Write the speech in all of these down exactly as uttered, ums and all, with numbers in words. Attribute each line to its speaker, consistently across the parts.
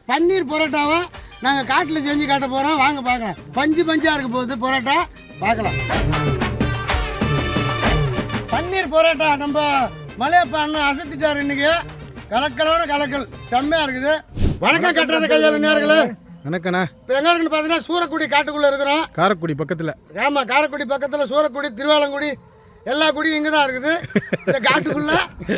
Speaker 1: பன்னீர் பரோட்டாவை நாங்கள் காட்டில் செஞ்சு காட்ட போகிறோம். வாங்க பார்க்கலாம். பஞ்சு பஞ்சாக இருக்க போகுது பரோட்டா, பார்க்கலாம். பன்னீர் பரோட்டா நம்ம மலையப்பா அண்ணன் அசத்திட்டார் இன்னைக்கு. கலக்கலோட கலக்கல் செம்மையாக இருக்குது. வணக்கம் கட்டுறது கையால் நேர்களே.
Speaker 2: வணக்கண்ணா.
Speaker 1: இப்போ எங்கே இருக்குன்னு பார்த்தீங்கன்னா சூரக்குடி காட்டுக்குள்ளே இருக்கிறோம்.
Speaker 2: காரைக்குடி பக்கத்தில்.
Speaker 1: ஆமாம், காரைக்குடி பக்கத்தில் சூரக்குடி, திருவாலங்குடி எல்லா குடியும் இங்கே தான் இருக்குது இந்த காட்டுக்குள்ள.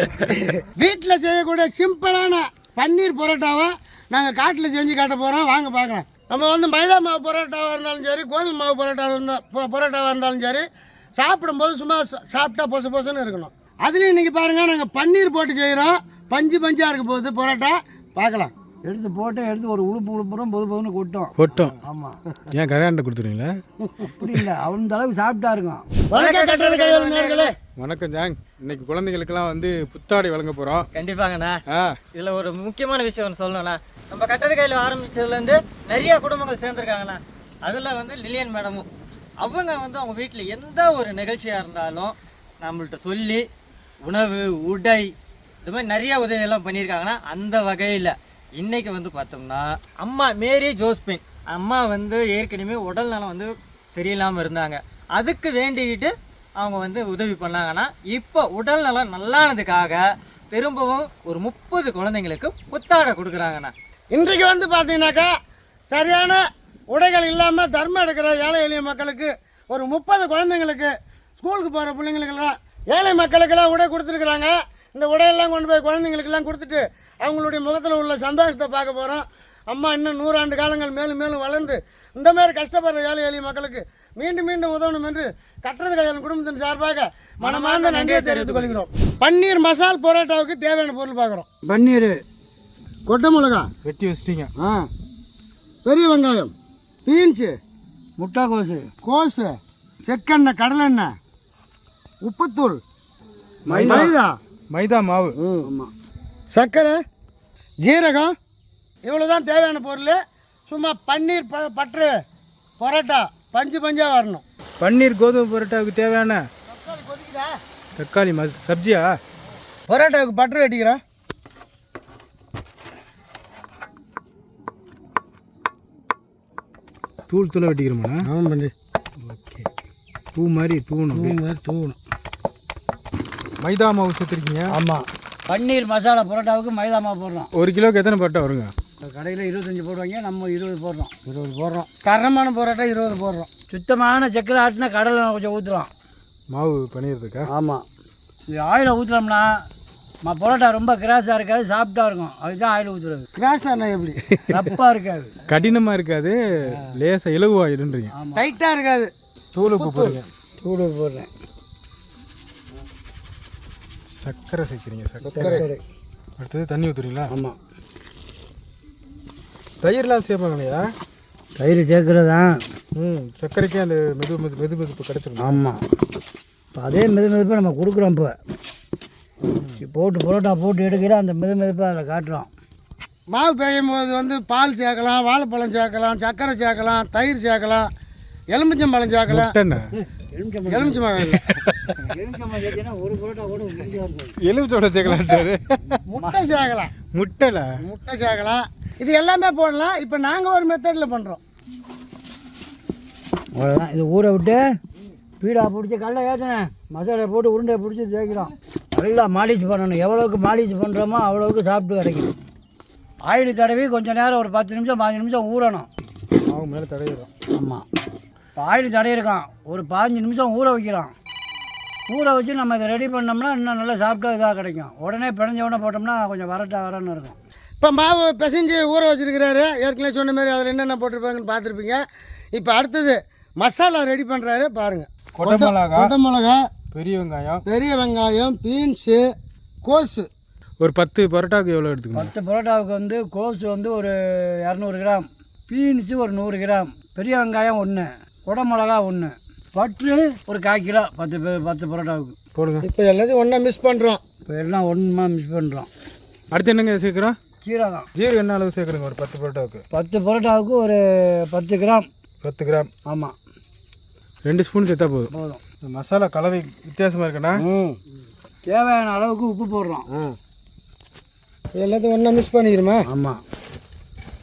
Speaker 1: வீட்டில் செய்யக்கூடிய சிம்பிளான பன்னீர் பரோட்டாவை நாங்கள் காட்டில் செஞ்சு காட்ட போகிறோம். வாங்க பார்க்கலாம். நம்ம வந்து மைதா மாவு பரோட்டாவாக இருந்தாலும் சரி, கோதுமை மாவு பரோட்டாவாக இருந்தால் பரோட்டாவாக இருந்தாலும் சரி, சாப்பிடும்போது சும்மா சாப்பிட்டா பொசு பொசுன்னு இருக்கணும். அதுலேயும் இன்றைக்கி பாருங்கள், நாங்கள் பன்னீர் போட்டு செய்கிறோம். பஞ்சு பஞ்சாக இருக்க போகுது பரோட்டா, பார்க்கலாம்.
Speaker 3: எடுத்து போட்டு எடுத்து ஒரு உழுப்பு உழுப்புறோம், பொது பொதுன்னு கொட்டும்
Speaker 2: கொட்டும்.
Speaker 3: ஆமாம்,
Speaker 2: ஏன் கரையாண்ட கொடுத்துருவீங்களா?
Speaker 3: அப்படி இல்லை, அந்த அளவுக்கு சாப்பிட்டா இருக்கும்.
Speaker 1: வணக்கம் கட்டுறது கையால் நேர்களே.
Speaker 2: வணக்கம் ஜாங். இன்னைக்கு குழந்தைங்களுக்கெல்லாம் வந்து புத்தாடை வழங்க போகிறோம்.
Speaker 4: கண்டிப்பாங்கண்ணா.
Speaker 2: ஆ,
Speaker 4: இதில் ஒரு முக்கியமான விஷயம் ஒன்று சொல்லணும்ண்ணா. நம்ம கட்டது கையில் ஆரம்பித்ததுலேருந்து நிறைய குடும்பங்கள் சேர்ந்துருக்காங்கண்ணா. அதில் வந்து லில்லியன் மேடமும் அவங்க வந்து அவங்க வீட்டில் எந்த ஒரு நிகழ்ச்சியாக இருந்தாலும் நம்மள்கிட்ட சொல்லி உணவு, உடை, இது மாதிரி நிறைய உதவியெல்லாம் பண்ணியிருக்காங்கன்னா, அந்த வகையில் இன்றைக்கி வந்து பார்த்தோம்னா அம்மா மேரி ஜோஸ்பின் அம்மா வந்து ஏற்கனவே உடல் நலம் வந்து சரியில்லாமல் இருந்தாங்க. அதுக்கு வேண்டிக்கிட்டு அவங்க வந்து உதவி பண்ணாங்கன்னா, இப்போ உடல் நலம் நல்லானதுக்காக திரும்பவும் ஒரு முப்பது குழந்தைங்களுக்கு புத்தாடை கொடுக்குறாங்கண்ணா.
Speaker 1: இன்றைக்கு வந்து பார்த்தீங்கன்னாக்கா சரியான உடைகள் இல்லாமல் தர்மம் எடுக்கிற ஏழை எளிய மக்களுக்கு ஒரு முப்பது குழந்தைங்களுக்கு, ஸ்கூலுக்கு போகிற பிள்ளைங்களுக்கெல்லாம், ஏழை மக்களுக்கெல்லாம் உடை கொடுத்துருக்குறாங்க. இந்த உடையெல்லாம் கொண்டு போய் குழந்தைங்களுக்கெல்லாம் கொடுத்துட்டு அவங்களுடைய முகத்தில் உள்ள சந்தோஷத்தை பார்க்க போகிறோம். அம்மா இன்னும் நூறாண்டு காலங்கள் மேலும் மேலும் வளர்ந்து இந்த மாதிரி கஷ்டப்படுற ஏழை எளிய மக்களுக்கு மீண்டும் மீண்டும் உதவணும் என்று கட்டுறது கையால் குடும்பத்தின் சார்பாக மனமார்ந்த நன்றியை தெரிவித்துக் கொள்கிறோம். பன்னீர் மசால் பரோட்டாவுக்கு தேவையான பொருள் பார்க்குறோம்.
Speaker 3: பன்னீர்,
Speaker 1: கொட்டை மிளகா
Speaker 2: வெட்டி வச்சிட்டீங்க.
Speaker 1: ஆ, பெரிய வெங்காயம், பீன்ஸு,
Speaker 3: முட்டைக்கோசு,
Speaker 1: கோஸு, செக்கெண்ணெய், கடலெண்ணெய், உப்புத்தூள், மைதா,
Speaker 2: மைதா மாவு,
Speaker 3: ஆமாம்,
Speaker 1: சர்க்கரை, ஜீரகம், இவ்வளோ தான் தேவையான பொருள். சும்மா பன்னீர் ப பற்று பரோட்டா பஞ்சு பஞ்சாக வரணும்.
Speaker 2: பன்னீர் கோதுமை பரோட்டாவுக்கு தேவையான தக்காளி மஸ் சப்ஜியா.
Speaker 1: பரோட்டாவுக்கு பட்டர் வெட்டிக்கிறோம்.
Speaker 2: தூள் தூளை வெட்டிக்கிறோமா?
Speaker 1: ஆமாம் பண்ணி.
Speaker 2: ஓகே, பூ மாதிரி தூணும்.
Speaker 1: பூ மாதிரி தூவணும்.
Speaker 2: மைதா மாவு சேர்த்துருக்கீங்க.
Speaker 3: ஆமாம். பன்னீர் மசாலா பரோட்டாவுக்கு மைதா மாவு போடுறோம்.
Speaker 2: ஒரு கிலோக்கு எத்தனை பரோட்டா வருங்க?
Speaker 3: கடையில் இருபத்தஞ்சி போடுவாங்க, நம்ம இருபது போடுறோம்.
Speaker 1: இருபது போடுறோம். தரமான பரோட்டா இருபது போடுறோம்.
Speaker 3: சுத்தமான சக்கரை ஆட்டினா கடலை கொஞ்சம் ஊற்றுறோம்
Speaker 2: மாவு பண்ணிடுறதுக்கா?
Speaker 3: ஆமாம். இது ஆயிலை ஊற்றுறோம்னா மா பரோட்டா ரொம்ப கிராஸாக இருக்காது, சாப்பிட்டா இருக்கும். அதுதான் ஆயில் ஊற்றுறது.
Speaker 1: கிராஸாக எப்படி
Speaker 3: ரப்பாக இருக்காது,
Speaker 2: கடினமாக இருக்காது, லேசாக இலகுவாயிடுன்றீங்க.
Speaker 1: டைட்டாக இருக்காது.
Speaker 2: தூள் உப்பு போடுங்க.
Speaker 3: தூள் போடுறேன்.
Speaker 2: சர்க்கரை சேர்க்குறீங்க.
Speaker 1: சர்க்கரை.
Speaker 2: அடுத்தது தண்ணி ஊற்றுறீங்களா?
Speaker 3: ஆமாம்.
Speaker 2: தயிர்லாம் சேர்ப்பாங்க இல்லையா?
Speaker 3: தயிர் சேர்க்குறதா?
Speaker 2: ம், சர்க்கரைக்கே அந்த மெது மெது மெது மெதுப்பு கிடச்சிடும்.
Speaker 3: ஆமாம். இப்போ அதே மெது மெதுப்பாக நம்ம கொடுக்குறோம். இப்போ போட்டு பரோட்டா போட்டு எடுக்கிற அந்த மெது மெதுப்பாக அதில் காட்டுறோம்.
Speaker 1: மாவு பெய்யும் போது வந்து பால் சேர்க்கலாம், வாழைப்பழம் சேர்க்கலாம், சர்க்கரை சேர்க்கலாம், தயிர் சேர்க்கலாம், எலுமிச்சம்பழம் சேர்க்கலாம். எலுமிச்சம்பழம் இல்லை,
Speaker 3: ஒரு பரோட்டா கூட
Speaker 2: எலுமிச்சோட சேர்க்கலான்ட்டாரு.
Speaker 1: முட்டை சேர்க்கலாம்.
Speaker 2: முட்டைல
Speaker 1: முட்டை சேர்க்கலாம். இது எல்லாமே போடலாம். இப்போ நாங்கள் ஒரு மெத்தடில் பண்ணுறோம்.
Speaker 3: அவ்வளோதான். இது ஊற விட்டு பீடா பிடிச்சி கடலை ஏற்றினேன், மசாலா போட்டு உருண்டை பிடிச்சி தேய்க்கிறோம். நல்லா மாலிஷ் பண்ணணும். எவ்வளோவுக்கு மாலிஷ் பண்ணுறோமோ அவ்வளோவுக்கு சாப்பிட்டு கிடைக்கும். ஆயில் தடவி கொஞ்சம் நேரம் ஒரு பத்து நிமிஷம் பாஞ்சு நிமிஷம் ஊறணும்.
Speaker 2: மாவு மேலே தடவிடும்.
Speaker 3: ஆமாம். இப்போ ஆயில் தடையிருக்கான், ஒரு பாஞ்சு நிமிஷம் ஊற வைக்கிறோம். ஊற வச்சு நம்ம இதை ரெடி பண்ணோம்னா இன்னும் நல்லா சாப்பிட்டா இதாக கிடைக்கும். உடனே பிணைஞ்ச உடனே போட்டோம்னா கொஞ்சம் வரட்டா வரன்னு இருக்கும்.
Speaker 1: இப்போ மாவு பிசைஞ்சு ஊற வச்சுருக்கிறாரு. ஏற்கனவே சொன்ன மாதிரி அதில் என்னென்ன போட்டிருப்பாங்கன்னு பார்த்துருப்பீங்க. இப்போ அடுத்தது மசாலா ரெடி பண்ணுறாரு பாருங்கள்.
Speaker 2: கொட்டை மிளகா,
Speaker 1: கொட்டை மிளகா,
Speaker 2: பெரிய வெங்காயம்,
Speaker 1: பெரிய வெங்காயம், பீன்ஸு, கோஸு.
Speaker 2: ஒரு பத்து பரோட்டாவுக்கு எவ்வளோ எடுத்துக்கணும்?
Speaker 3: பத்து பரோட்டாவுக்கு வந்து கோஸு வந்து ஒரு இரநூறு கிராம், பீன்ஸு ஒரு நூறு கிராம், பெரிய வெங்காயம் ஒன்று, குடை மிளகா ஒன்று, பட்டு ஒரு கால் கிலோ. பத்து பே- பத்து பரோட்டாவுக்கு
Speaker 2: போடுங்க.
Speaker 1: இப்போ எல்லாத்தையும் ஒன்றா மிஸ் பண்ணுறோம்.
Speaker 3: இப்போ எல்லாம் ஒன்றுமா மிக்ஸ் பண்ணுறோம்.
Speaker 2: அடுத்து என்னங்க சேர்க்குறோம்?
Speaker 3: சீரகம்.
Speaker 2: ஜீரகம் என்ன அளவு சேர்க்குறோங்க? ஒரு பத்து பரோட்டாவுக்கு
Speaker 3: பத்து பரோட்டாவுக்கு ஒரு பத்து கிராம்.
Speaker 2: பத்து கிராம்.
Speaker 3: ஆமாம்,
Speaker 2: ரெண்டு ஸ்பூன் சேர்த்தா போதும்.
Speaker 3: போதும்.
Speaker 2: இந்த மசாலா கலவை வித்தியாசமாக இருக்குண்ணா.
Speaker 1: ம்,
Speaker 3: தேவையான அளவுக்கு உப்பு போடுறோம்.
Speaker 1: ஆ, எல்லாத்தையும் ஒன்றா மிக்ஸ் பண்ணிக்கிறோமா?
Speaker 3: ஆமாம்.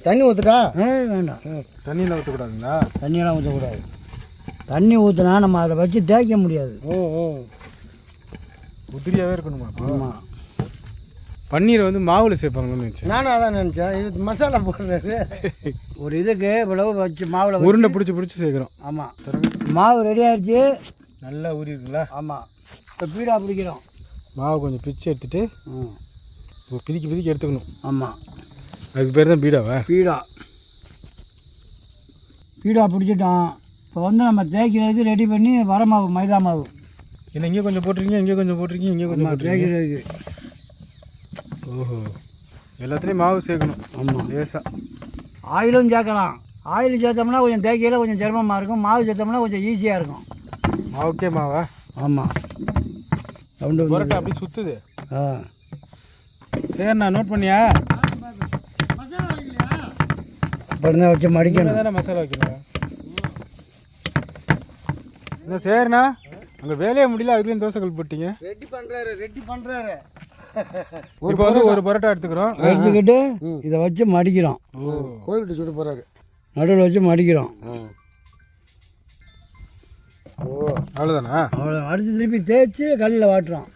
Speaker 1: தண்ணி ஊற்றுட்டா
Speaker 3: ஏய் வேண்டாம்,
Speaker 2: தண்ணியில் ஊற்றக்கூடாதுங்களா?
Speaker 3: தண்ணியெல்லாம் ஊற்றக்கூடாது. தண்ணி ஊற்றினா நம்ம அதை வச்சு தேய்க்க முடியாது.
Speaker 2: ஓ ஓ உதிரியாகவே இருக்கணுமா?
Speaker 3: ஆமாம்,
Speaker 2: பன்னீரை வந்து மாவில் சேர்ப்பாங்கன்னு நினச்சேன்.
Speaker 1: நானும் அதான் நினச்சேன். இது மசாலா போடுறது
Speaker 3: ஒரு இதுக்கு இவ்வளவு வச்சு மாவில்
Speaker 2: உருண்டை பிடிச்சி பிடிச்சி சேர்க்குறோம்.
Speaker 3: ஆமாம், மாவு ரெடி ஆயிடுச்சு.
Speaker 2: நல்லா ஊறி இருக்குங்களா?
Speaker 3: ஆமாம், இப்போ பீடா பிடிக்கிறோம்.
Speaker 2: மாவு கொஞ்சம் பிச்சு எடுத்துட்டு
Speaker 3: ம்,
Speaker 2: இப்போ பிதிக்கி பிதிக்கி எடுத்துக்கணும்.
Speaker 3: ஆமாம்,
Speaker 2: அதுக்கு பேர் தான் பீடாவா?
Speaker 3: பீடா பீடா பிடிச்சிட்டோம். இப்போ வந்து நம்ம தேய்க்கிறதுக்கு ரெடி பண்ணி வர மாவு, மைதா மாவு.
Speaker 2: என்ன இங்கே கொஞ்சம் போட்டிருக்கீங்க, இங்கே கொஞ்சம் போட்டிருக்கீங்க, இங்கே கொஞ்சம் போட்டிருக்கீங்க.
Speaker 3: தேய்க்கிறதுக்கு
Speaker 2: ஓஹோ, எல்லாத்துலேயும் மாவு சேர்க்கணும்.
Speaker 3: ஆமாம்,
Speaker 2: லேசாக.
Speaker 3: ஆயிலும் சேர்க்கலாம். ஆயில் சேர்த்தோம்னா கொஞ்சம் தேய்க்கையில் கொஞ்சம் சிரமமாக இருக்கும். மாவு சேர்த்தோம்னா கொஞ்சம் ஈஸியாக இருக்கும்.
Speaker 2: மாவுக்கே மாவா?
Speaker 3: ஆமாம், ரவுண்டு
Speaker 2: புரோட்டா அப்படி சுற்றுது.
Speaker 3: ஆ,
Speaker 2: சரிண்ணா, நோட் பண்ணியா?
Speaker 1: மசாலா வைக்கலையா?
Speaker 3: இப்போ இருந்தால் வச்சு மடிக்கணும்.
Speaker 2: தானே மசாலா வைக்கணும். என்ன சரிண்ணா, அங்கே வேலையே முடியல, அதுலேயும் தோசைகள் போட்டீங்க.
Speaker 1: ரெடி பண்ணுறாரு ரெடி பண்ணுறாரு
Speaker 2: இப்போ வந்து ஒரு பரோட்டா எடுத்துக்கிறோம்.
Speaker 3: வச்சுக்கிட்டு இதை வச்சு மடிக்கிறோம்.
Speaker 1: கோயில்கிட்ட சுட்டு போகிறாரு.
Speaker 3: நடுவில் வச்சு மடிக்கிறோம்.
Speaker 2: ஓ அவ்வளோதானா?
Speaker 3: அவ்வளோ அடித்து திருப்பி தேய்ச்சி கல்லில் வாட்டுறோம்.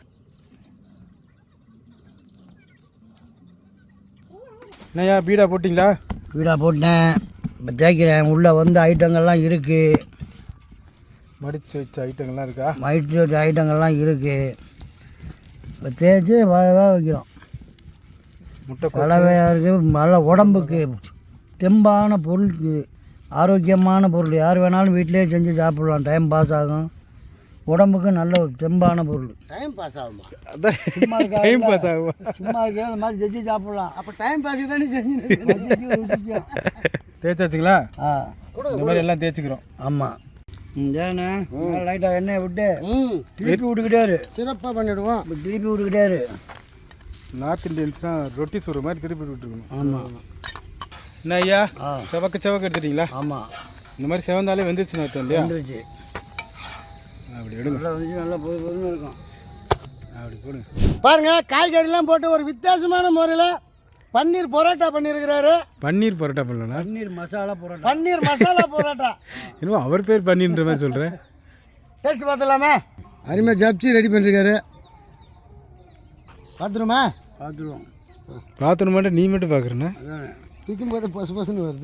Speaker 2: என்னய்யா பீடா போட்டிங்களா?
Speaker 3: வீடாக போட்டேன், இப்போ தேய்க்கிறேன். உள்ளே வந்து ஐட்டங்கள்லாம் இருக்குது.
Speaker 2: மடித்து வச்ச ஐட்டங்கள்லாம் இருக்கா?
Speaker 3: மடித்து வச்ச ஐட்டங்கள்லாம் இருக்குது. இப்போ தேய்ச்சி வேக வைக்கிறோம்.
Speaker 2: முட்டை
Speaker 3: கலவையாக இருக்குது. நல்ல உடம்புக்கு தெம்பான பொருள் இது, ஆரோக்கியமான பொருள். யார் வேணாலும் வீட்டிலே செஞ்சு சாப்பிட்லாம். டைம் பாஸ் ஆகும். உடம்புக்கு நல்ல ஒரு தெம்பான பொருள்.
Speaker 1: டைம் பாஸ் ஆகுமா?
Speaker 2: அதான்
Speaker 3: சும்மா இருக்கா?
Speaker 2: டைம் பாஸ் ஆகும்.
Speaker 3: சும்மா இருக்கிற அந்த மாதிரி செஞ்சு சாப்பிட்லாம்.
Speaker 1: அப்போ டைம் பாஸுக்கு தானே செஞ்சு
Speaker 2: தேய்ச்சாச்சுங்களா?
Speaker 3: ஆ,
Speaker 2: இந்த மாதிரி எல்லாம் தேய்ச்சிக்கிறோம்.
Speaker 3: ஆமாம். ஏண்ணே லைட்டாக எண்ணெயை விட்டு
Speaker 1: ம்
Speaker 3: திருப்பி விட்டுக்கிட்டாரு.
Speaker 1: சிறப்பாக பண்ணிவிடுவோம்.
Speaker 3: இப்போ திருப்பி விட்டுக்கிட்டாரு.
Speaker 2: நார்த் இந்தியன்ஸ்னால் ரொட்டி சுடுற மாதிரி திருப்பி விட்டுருக்கணும்.
Speaker 3: ஆமாம்.
Speaker 2: என்ன ஐயா,
Speaker 3: ஆ,
Speaker 2: செவக்க செவக்க எடுத்துட்டீங்களா?
Speaker 3: ஆமாம்,
Speaker 2: இந்த மாதிரி செவந்தாலே வெந்துருச்சுன்னு அர்த்தம் இல்லையா?
Speaker 3: வந்துருச்சு.
Speaker 2: அப்படி எடுங்க,
Speaker 3: நல்லா வந்துச்சு, நல்லா பொது பொதுன்னு இருக்கும்.
Speaker 2: அப்படி போடுங்க.
Speaker 1: பாருங்க, காய்கறிலாம் போட்டு ஒரு வித்தியாசமான முறையில் பன்னீர் பரோட்டா பண்ணியிருக்கிறாரு.
Speaker 2: பன்னீர் பரோட்டா பண்ணலண்ணா,
Speaker 3: பன்னீர் மசாலா போடுறோம்.
Speaker 1: பன்னீர் மசாலா பரோட்டா.
Speaker 2: இன்னும் அவர் பேர் பன்னீர்ன்ற மாதிரி சொல்கிறேன்.
Speaker 1: டேஸ்ட் பார்த்துலாமா? அருமையாக ஜப்சி ரெடி பண்ணிருக்காரு. பார்த்துருமா?
Speaker 3: பார்த்துருவோம்.
Speaker 2: பார்த்துட்டு மட்டும் நீ மட்டும் பார்க்குறேண்ணா.
Speaker 3: அதானே,
Speaker 1: பிக்கும் போது பொசு பொசுன்னு வருது.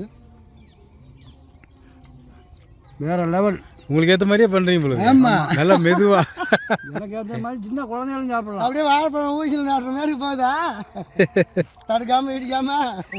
Speaker 3: வேற லெவல்.
Speaker 2: உங்களுக்கு ஏற்ற மாதிரியே பண்ணுறீங்க போல.
Speaker 1: ஆமாம்,
Speaker 2: நல்லா மெதுவா.
Speaker 3: எனக்கு ஏற்ற மாதிரி சின்ன குழந்தைகளும் சாப்பிடலாம்.
Speaker 1: அப்படியே வாழைப்பழம் ஊசியில் நாட்டுற மாதிரி போகுதா? தடுக்காமல் இடிக்காம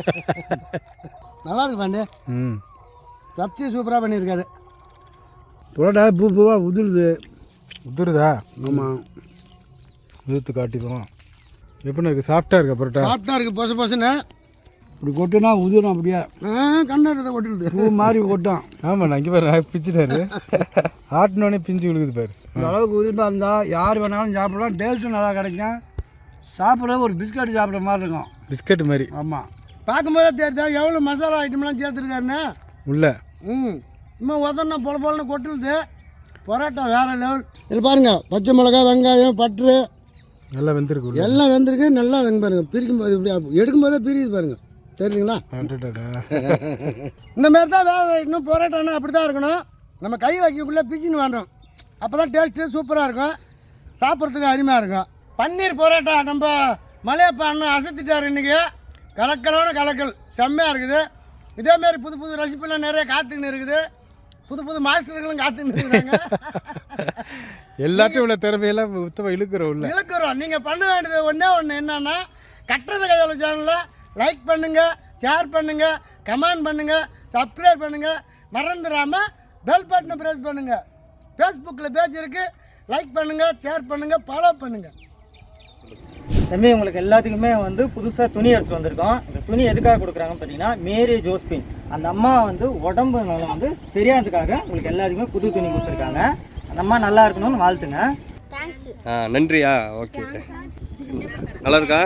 Speaker 1: நல்லா இருக்கு பாண்டு.
Speaker 2: ம்,
Speaker 1: ஜப்சி சூப்பராக பண்ணியிருக்காரு.
Speaker 3: புரோட்டா பூ பூவாக உதிருது.
Speaker 2: உதுருதா?
Speaker 3: ஆமாம்,
Speaker 2: உதுத்து காட்டிடுவோம். எப்படின்னா இருக்குது? சாஃப்டாக இருக்கா பரோட்டா?
Speaker 1: சாப்பிட்டா இருக்கு பொசு பொசுன்னு.
Speaker 3: இப்படி கொட்டுனா உதிரும். அப்படியே
Speaker 1: கண்டாடுறத கொட்டிடுது.
Speaker 3: பூ மாதிரி கொட்டும்.
Speaker 2: ஆமாம், நான் இங்கே பாரு பிச்சுட்டாரு. ஆட்டினோடனே பிஞ்சு விழுகுது பாரு.
Speaker 3: இந்த அளவுக்கு உதிர்ப்பாக இருந்தால் யார் வேணாலும் சாப்பிடலாம். டேஸ்ட்டும் நல்லா கிடைக்கும். சாப்பிட்றது ஒரு பிஸ்கட் சாப்பிட்ற மாதிரி இருக்கும்.
Speaker 2: பிஸ்கட் மாதிரி.
Speaker 3: ஆமாம்,
Speaker 1: பார்க்கும்போதே தெரியுதா எவ்வளோ மசாலா ஐட்டம்லாம் சேர்த்துருக்காருன்னு.
Speaker 2: உள்ள
Speaker 1: ம் இன்னும் உதன்னா பொல பொலன்னு கொட்டுது. பரோட்டா வேறு லெவல். இது பாருங்க, பச்சை மிளகா, வெங்காயம், பட்ரு
Speaker 2: நல்லா வெந்திருக்கு உள்ள.
Speaker 1: எல்லாம் வெந்திருக்கு. நல்லா வெங்க பாருங்க. பிரிக்கும் போது இப்படி எடுக்கும் போதே பிரியுது பாருங்க. தெரியுதுங்களா?
Speaker 2: அடடடா.
Speaker 1: இந்த மாதிரி தான் வேக வைக்கணும். பரோட்டானா அப்படி தான் இருக்கணும். நம்ம கை வைக்கக்குள்ளே பிச்சுன்னு வேண்டோம். அப்போ தான் டேஸ்ட்டு சூப்பராக இருக்கும். சாப்பிட்றதுக்கு அருமையாக இருக்கும். பன்னீர் பரோட்டா நம்ம மலையப்பா அண்ணன் அசத்திட்டார் இன்றைக்கி. கலக்கலோட கலக்கல் செம்மையாக இருக்குது. இதேமாரி புது புது ரெசிபிலாம் நிறைய காத்துக்கின்னு இருக்குது. புது புது மாஸ்டர்களும் காத்துக்கின்னு இருக்கிறாங்க.
Speaker 2: எல்லாத்தையும் உள்ள திறமையெல்லாம் உத்தவ இழுக்கிறோம் உள்ள.
Speaker 1: இழுக்கிறோம். நீங்கள் பண்ண வேண்டியது ஒன்றே ஒன்று என்னன்னா, கட்டுறது கையாள சேனலில் லைக் பண்ணுங்கள், ஷேர் பண்ணுங்கள், கமெண்ட் பண்ணுங்கள், சப்ஸ்கிரைப் பண்ணுங்கள். மறந்துடாமல் பெல் பட்டனை ப்ரெஸ் பண்ணுங்கள். ஃபேஸ்புக்கில் பேஜ் இருக்குது. லைக் பண்ணுங்கள், ஷேர் பண்ணுங்கள், ஃபாலோ பண்ணுங்கள்.
Speaker 4: தம்பி, உங்களுக்கு எல்லாத்துக்குமே வந்து புதுசாக துணி எடுத்துகிட்டு வந்திருக்கோம். இந்த துணி எதுக்காக கொடுக்குறாங்கன்னு பார்த்தீங்கன்னா, மேரி ஜோஸ்பின் அந்த அம்மா வந்து உடம்பு நல்லா வந்து சரியானதுக்காக உங்களுக்கு எல்லாத்துக்குமே புது துணி கொடுத்துருக்காங்க. அந்த அம்மா நல்லா இருக்கணும்னு வாழ்த்துங்க.
Speaker 5: ஆ நன்றியா? ஓகே, நல்லா இருக்கா?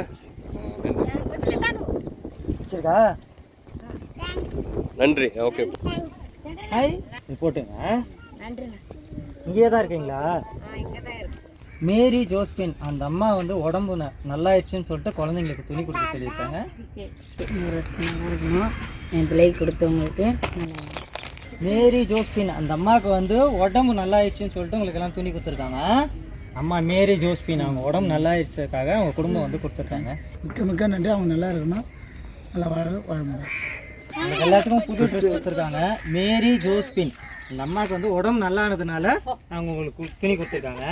Speaker 4: சரிக்கா,
Speaker 5: நன்றி. Okay,
Speaker 4: hi. இது போட்டுங்க. இங்கேயே தான் இருக்கீங்களா? மேரி ஜோஸ்பின் அந்த அம்மா வந்து உடம்பு ந- நல்லாயிடுச்சுன்னு சொல்லிட்டு குழந்தைங்களுக்கு துணி கொடுக்க சொல்லியிருக்காங்க.
Speaker 6: நூறு வருஷம் நல்லா இருக்கணும் என் பிள்ளைக்கு கொடுத்தவங்களுக்கு நல்லா
Speaker 4: மேரி ஜோஸ்பின் அந்த அம்மாவுக்கு வந்து உடம்பு நல்லாயிடுச்சுன்னு சொல்லிட்டு உங்களுக்கு எல்லாம் துணி கொடுத்துருக்காங்க. அம்மா மேரி ஜோஸ்பின் அவங்க உடம்பு நல்லாயிடுச்சதுக்காக அவங்க குடும்பம் வந்து கொடுத்துருக்காங்க.
Speaker 1: மிக்க மிக்க நன்றி. அவங்க நல்லா இருக்கணும், நல்லா வாழ வாழ முடியும்.
Speaker 4: உங்களுக்கு எல்லாத்துக்கும் புது ட்ரெஸ் கொடுத்துருக்காங்க. மேரி ஜோஸ்பின் அந்த அம்மாவுக்கு வந்து உடம்பு நல்லானதுனால அவங்க உங்களுக்கு கு- துணி கொடுத்துருக்காங்க.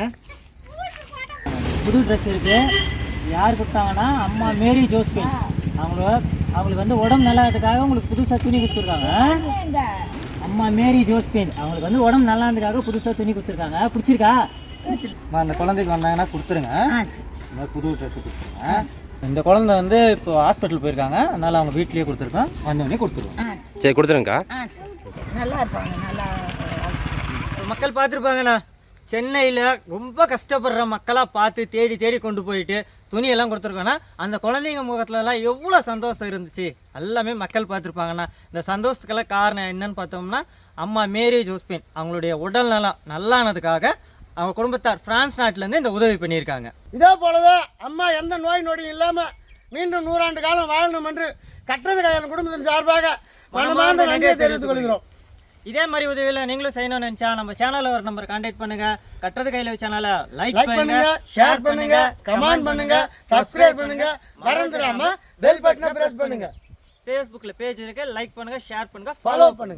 Speaker 4: புது ட்ரெஸ் இருக்கு. யார் கொடுத்தாங்கன்னா அம்மா மேரி ஜோஸ்பின் அவங்க அவங்களுக்கு வந்து உடம்பு நல்லாதுக்காக உங்களுக்கு புதுசாக துணி கொடுத்துருக்காங்க. அம்மா மேரி ஜோஸ்பின் அவங்களுக்கு வந்து உடம்பு நல்லாதுக்காக புதுசாக துணி கொடுத்துருக்காங்க. பிடிச்சிருக்கா? அந்த குழந்தைக்கு வந்தாங்கன்னா கொடுத்துருங்க. இந்த மாதிரி புது ட்ரெஸ் கொடுத்துருங்க. இந்த குழந்தை வந்து இப்போ ஹாஸ்பிட்டல் போயிருக்காங்க, அதனால அவங்க வீட்லயே கொடுத்துருக்கோம். வந்தோடனே கொடுத்துருவோம்.
Speaker 5: சரி கொடுத்துருங்கக்கா.
Speaker 6: ஆ சரி சரி நல்லா இருப்பாங்க நல்லா
Speaker 4: மக்கள் பார்த்துருப்பாங்கண்ணா, சென்னையில் ரொம்ப கஷ்டப்படுற மக்களாக பார்த்து தேடி தேடி கொண்டு போயிட்டு துணியெல்லாம் கொடுத்துருக்கோன்னா அந்த குழந்தைங்க முகத்துலலாம் எவ்வளோ சந்தோஷம் இருந்துச்சு எல்லாமே மக்கள் பார்த்துருப்பாங்கண்ணா. இந்த சந்தோஷத்துக்கெல்லாம் காரணம் என்னன்னு பார்த்தோம்னா அம்மா மேரி ஜோஸ்பின் அவங்களுடைய உடல் நலம் நல்லானதுக்காக அவங்க குடும்பத்தார் பிரான்ஸ் நாட்டிலேருந்து இந்த உதவி பண்ணியிருக்காங்க.
Speaker 1: இதே போலவே அம்மா எந்த நோய் நொடியும் இல்லாமல் மீண்டும் நூறாண்டு காலம் வாழணும் என்று கட்டது கையாளர் குடும்பத்தின் சார்பாக மனமார்ந்த நன்றியை தெரிவித்துக் கொள்கிறோம்.
Speaker 4: இதே மாதிரி உதவியில் நீங்களும் செய்யணும்னு நினச்சா நம்ம சேனலில் ஒரு நம்பர் கான்டாக்ட் பண்ணுங்க. கட்டுறது கையில் சேனலை லைக்
Speaker 1: லைக் பண்ணுங்க, ஷேர் பண்ணுங்க, கமெண்ட் பண்ணுங்க, சப்ஸ்கிரைப் பண்ணுங்க, மறந்துடாம பெல் பட்டனை பிரஸ் பண்ணுங்க,
Speaker 4: ஃபேஸ்புக்கில் பேஜ் இருக்கு, லைக் பண்ணுங்க, ஷேர் பண்ணுங்க,
Speaker 1: ஃபாலோ பண்ணுங்க.